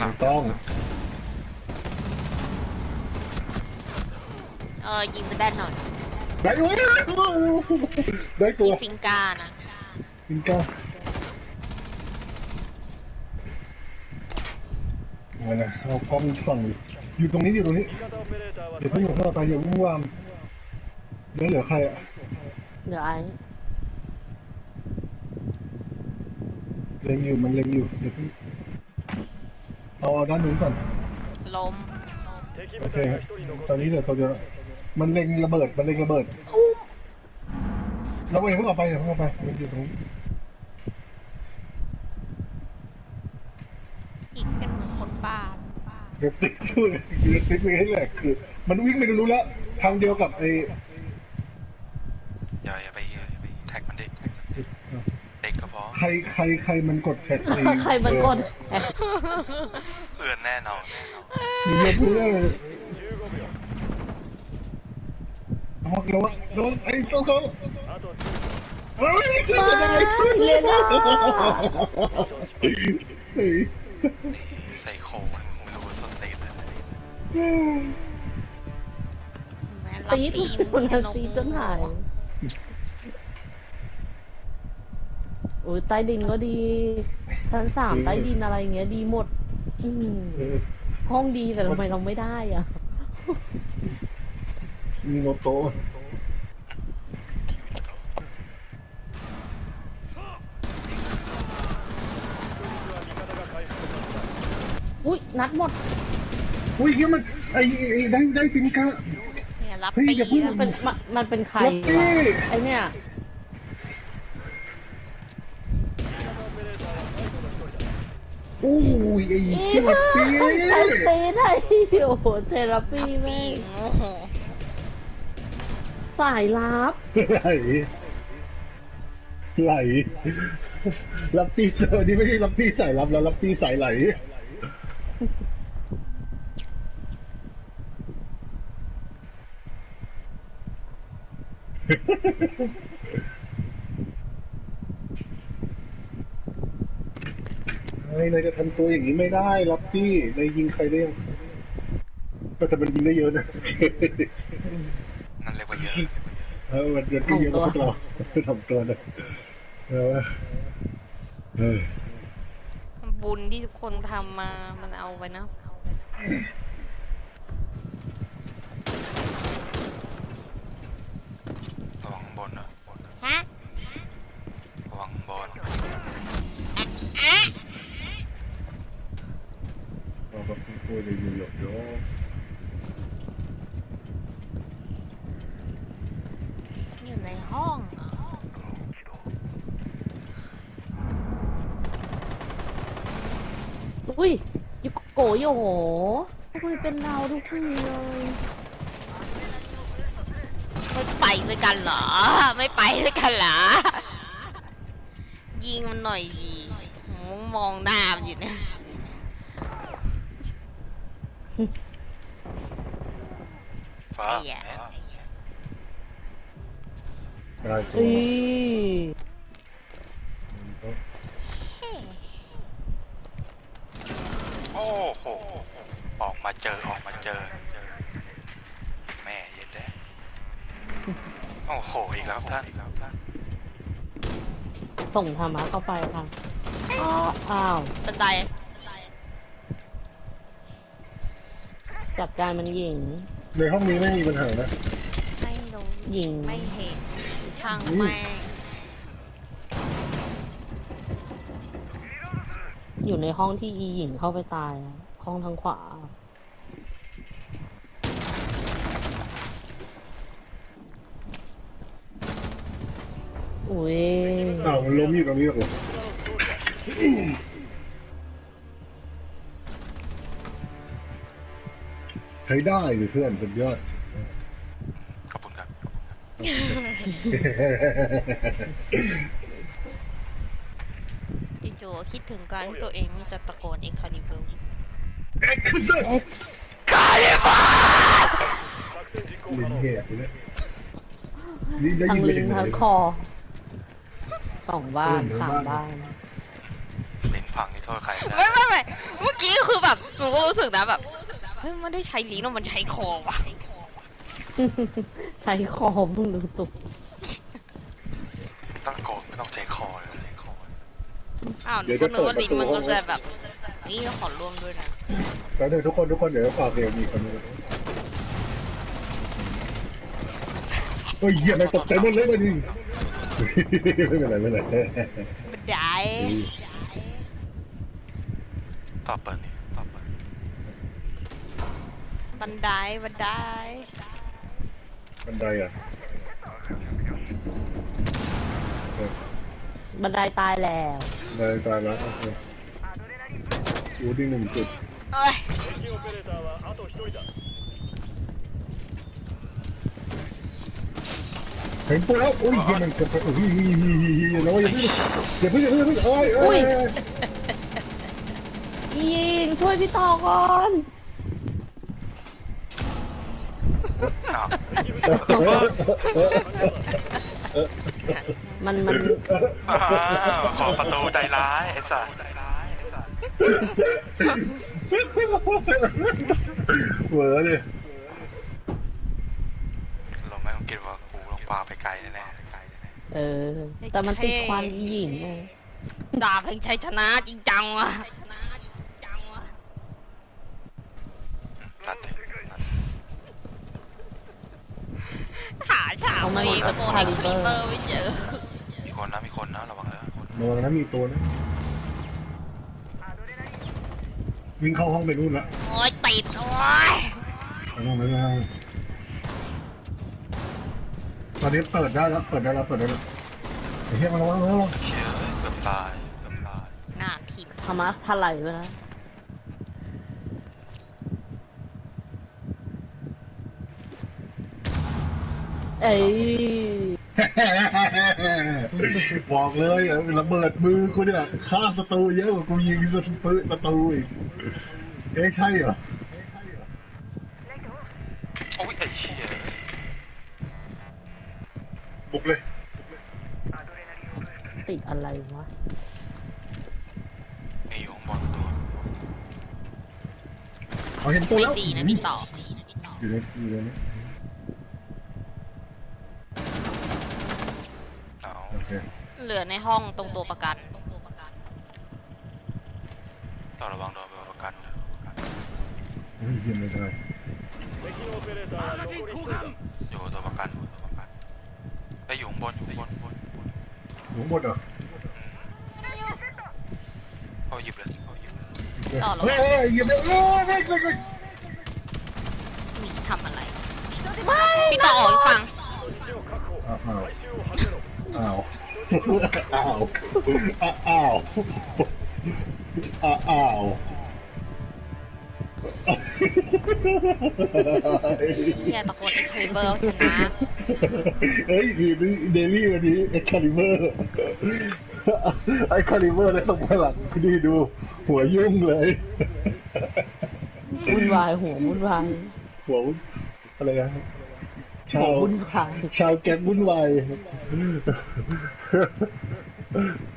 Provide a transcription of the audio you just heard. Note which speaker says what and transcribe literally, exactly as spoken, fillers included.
Speaker 1: ลัง
Speaker 2: ต้อง
Speaker 3: เออยิงไปได้หน่อย
Speaker 2: ได้ด้วยได้ตัว
Speaker 3: ฟิงกานะ
Speaker 2: ฟิงก้าเอานะเอากล้องส่องอยู่ตรงนี้อยู่ตรงนี้เดี๋ยวเพิ่งหยุดเข้าไปอย่าวุ่นวามได้เหลือใครอ่ะ
Speaker 4: เดี๋ยวไอ้
Speaker 2: เล็งอยู่มันเล็งอยู่เดี๋ยวเพิ่งเอาด้านนู้นก่อน
Speaker 3: ล้ม
Speaker 2: โอเคตอนนี้เดี๋ยวตัวเดียวมันเล็งระเบิดมันเล็งระเบิดเราเองเพิ่งออกไปเดี๋ยวเพิ่งออกไปมันอยู่ตรงนี้
Speaker 3: อีกเป็นเหมือนคนบ้า
Speaker 2: เดี๋ยวติดช่วยเดี๋ยวติดไปให้แหลกคือมันวิ่งไปรู้แล้วทางเดียวกับไอ้
Speaker 1: อย่าอย่าไปแท็กมันดิเด็กก็พอ
Speaker 2: ใครใครใครมันกดแท็กซี
Speaker 4: ใครมันกด
Speaker 1: เพื่อนแน่นอน
Speaker 2: มีเยอะเพื่อนเอาเดี๋ยวโดนไอ้โซ่เขาเฮ้ยไม่
Speaker 4: เล่นนะ
Speaker 1: ใส่โคมันมึงดูสเตตเลย
Speaker 4: ตีถูกคนตีจนหายโอ้ยใต้ดินก็ดีชั้นสามใต้ดินอะไรเงี้ยดีหมดห้องดีแต่ทำไมเราไม่ได้อ่ะ
Speaker 2: มีโนโตะ
Speaker 4: อุ้ยนัดหมด
Speaker 2: อุ้ยเฮียมันไอ้ไอ้ได้ได้ฟิงก้า
Speaker 3: รับปี
Speaker 4: มันเป็นมันเป็นใครวะไอเนี่ย
Speaker 2: โอ้ยไอ้เหี้ยปี
Speaker 4: ใช้ตีได้โอ้โหเทราปีแม่สายลับ
Speaker 2: ไหลไหลรับตีเจอนี่ไม่ใช่รับตีสายลับแล้วรับตีสายไหลนายจะทำตัวอย่างนี้ไม่ได้รับพี่นายยิงใครได้ยังก็แต่มันยิงได้เยอะนะ
Speaker 1: นั่นเรียกว่าเยอะ
Speaker 2: เออมันเยอะที่เยอะกว่าเราทำตัวนะเออเออ
Speaker 3: บุญที่ทุกคนทำมามันเอาไปนะ
Speaker 1: ระวังบนเหรอ
Speaker 3: ฮะ
Speaker 1: ระวังบน
Speaker 2: เราก็พูดเลยอยู่หยอกย้อ
Speaker 3: อยู่ในห้อง
Speaker 4: อุ้ยยุโกโยโหทำไมเป็นเราทุกทีเลย
Speaker 3: ไม่ไปด้วยกันเหรอไม่ไปด้วยกันเหรอยิงมันหน่อยดีมึงมองหน้ามันอยู่เนี่ย
Speaker 1: ฟ้า
Speaker 2: ได้ตั
Speaker 4: ว
Speaker 1: โอ้โหออกมาเจอออกมาเจอแม่เย็นแด้โอ้โหอีกแล้วท่าน
Speaker 4: ส่งธรรมะเข้าไปค่ะอ้าว
Speaker 3: บันได
Speaker 4: จัดการมันหญิง
Speaker 2: ในห้องนี้ไม่มีปัญหานะ
Speaker 3: ไม่รู้
Speaker 4: หญิง
Speaker 3: ไม่เห็นช่างแม่
Speaker 4: อยู่ในห้องที่อีหญิงเข้าไปตายห้องทางขวาอุ้ย
Speaker 2: อ้าวมันล้มอยู่ตรงนี้หรอใช้ได้เลยเพื่อนสุดยอด
Speaker 1: ขอบคุณครับ
Speaker 3: จู่ๆคิดถึงการที่ตัวเองนี่จะตะโกนเอ็กคาลิเบอร์
Speaker 2: เอ็กคาลิเบอร์
Speaker 3: คาลิเบอร์
Speaker 2: ลิ้นแหกเลย
Speaker 4: ทั้งลิ้นทั้งคอสองบ้านสามบ้าน
Speaker 1: ลิ้นพังนี่โทษใคร
Speaker 3: ไม่ไม่ไม่มึงอกี้คือแบบหนูก็รู้สึกนะแบบเฮ้ยมันได้ใช้ลิ้นหรือมันใช้คอวะ
Speaker 4: ใช้คอมึงดูตุก
Speaker 1: ไม่ต้องโกงไม่ต้องใจคอเลยใจคอ
Speaker 3: อ้าวหนูก็นึกว่าลิ้นมันก็จะแบบนี่ขอร่วมด้วยนะ
Speaker 2: แล้วเดี๋ยวทุกคนทุกคนเดี๋ยวฝากเดี๋ยวมีคนนึงโอ้ยเหี้ยไม่ตกใจหมดเลยมาดิไม่เป็นไรไม่เป็นไร
Speaker 3: บันได
Speaker 1: ต่อเปิดนี่ต่อเปิด
Speaker 3: บันไดบันได
Speaker 2: บันไดอ่ะ
Speaker 4: บันไดตายแล้ว
Speaker 2: บันไดตายแล้วโอเคอยู่ที่หนึ่งจุด
Speaker 3: เอ้ย
Speaker 2: เห็นตัวแล้วโอ้ยเหี้ยมันเกิดไปโอ้ยแล้วอย่าเพิ่งอย่าเพิ่งอย่าเพิ่งอย่าเพิ่งโอ้ยโอ้ย
Speaker 4: ยิงช่วยพี่ต่อก่อน
Speaker 1: อ้าว
Speaker 4: มันมัน
Speaker 1: อ้าวขอประตูใจร้ายไอ้สัสใจร้ายไอ้สัส
Speaker 2: เหวอเลย
Speaker 1: เราไม่ต้องคิดว่ากูลงปลาไปไกลแน่ๆไกลแน่
Speaker 4: เออ แต่มันติดควันอีหญิงไง
Speaker 3: ดาบแห่งชัยชนะจริงจังว่ะ
Speaker 1: ๆตัดเลยตัด
Speaker 3: หาฉากมีประตูในคลิปเปอร์ไม่เจอ
Speaker 1: มีคนนะมีคนนะระวังเลยคน
Speaker 2: ระวังนะมีตัวนะวิ่งเข้าห้องไปนู่นละ
Speaker 3: โอ้ยติดโอ้ย
Speaker 2: ไปนู่นไปนู่นตอนนี้เปิดได้แล้วเปิดได้แล้วเปิดได้แล้วไอ้เหี้ยมาระวังระวัง
Speaker 1: เชื่อเกือบตายเกือบตาย
Speaker 3: หน้าทิม
Speaker 4: ธรรมะถลายไปนะ เอ้ย
Speaker 2: บอกเลยอ่ะระเบิดมือกูเนี่ยฆ่าศัตรูเยอะกว่ากูยิงศัตรูศัตรูอีกเอ๊ะใช่เหรอ
Speaker 1: โอ้ยไอ้เชี่ย
Speaker 2: บุกเลย
Speaker 4: ติดอะไรวะ
Speaker 1: มีอยู่ข้างบนตัว
Speaker 2: เขาเห็นตัว
Speaker 3: ไม่
Speaker 2: แล้ว
Speaker 3: ดีนะพี่ต่อ
Speaker 2: อยู่ในอยู่ในนี้
Speaker 1: เอา
Speaker 2: โอเค
Speaker 3: เหลือในห้องตรงตัวประกัน
Speaker 1: ต่อระวังโดนประกันนะ
Speaker 2: เฮ้ยยิงไม่ได้
Speaker 1: อยู่ตัวประกันตัวประกันไปอยู่ข้างบนอยู่ข้างบนบนบน
Speaker 2: หนูหมดเหรอ
Speaker 1: อืมเขาหยิบเลยเขาหยิบเลย
Speaker 3: ต่อแล้ว
Speaker 2: เฮ้ยยิงไม่ได้เฮ้ยเฮ้ยเฮ้ย
Speaker 3: หนีทำอะไร พี่ต่อออกอีกฝั่ง
Speaker 2: อ้าวอ้าวอ้าวอ้าวอ้าวอ้าว
Speaker 3: แค่ตะโกนเอ็กคลิเบอร์ชนะ
Speaker 2: เฮ้ยดีนี่เดลี่วันนี้เอ็กคาลิเบอร์ไอ้คาลิเบอร์ได้ส่งพลังดีดู หัวยุ่งเลย
Speaker 4: วุ่นวายหัววุ่นวาย
Speaker 2: หัวอะไรนะ
Speaker 4: หั
Speaker 2: ชาว ว
Speaker 4: วุ่นวาย
Speaker 2: ชาวแก๊งวุ่นวาย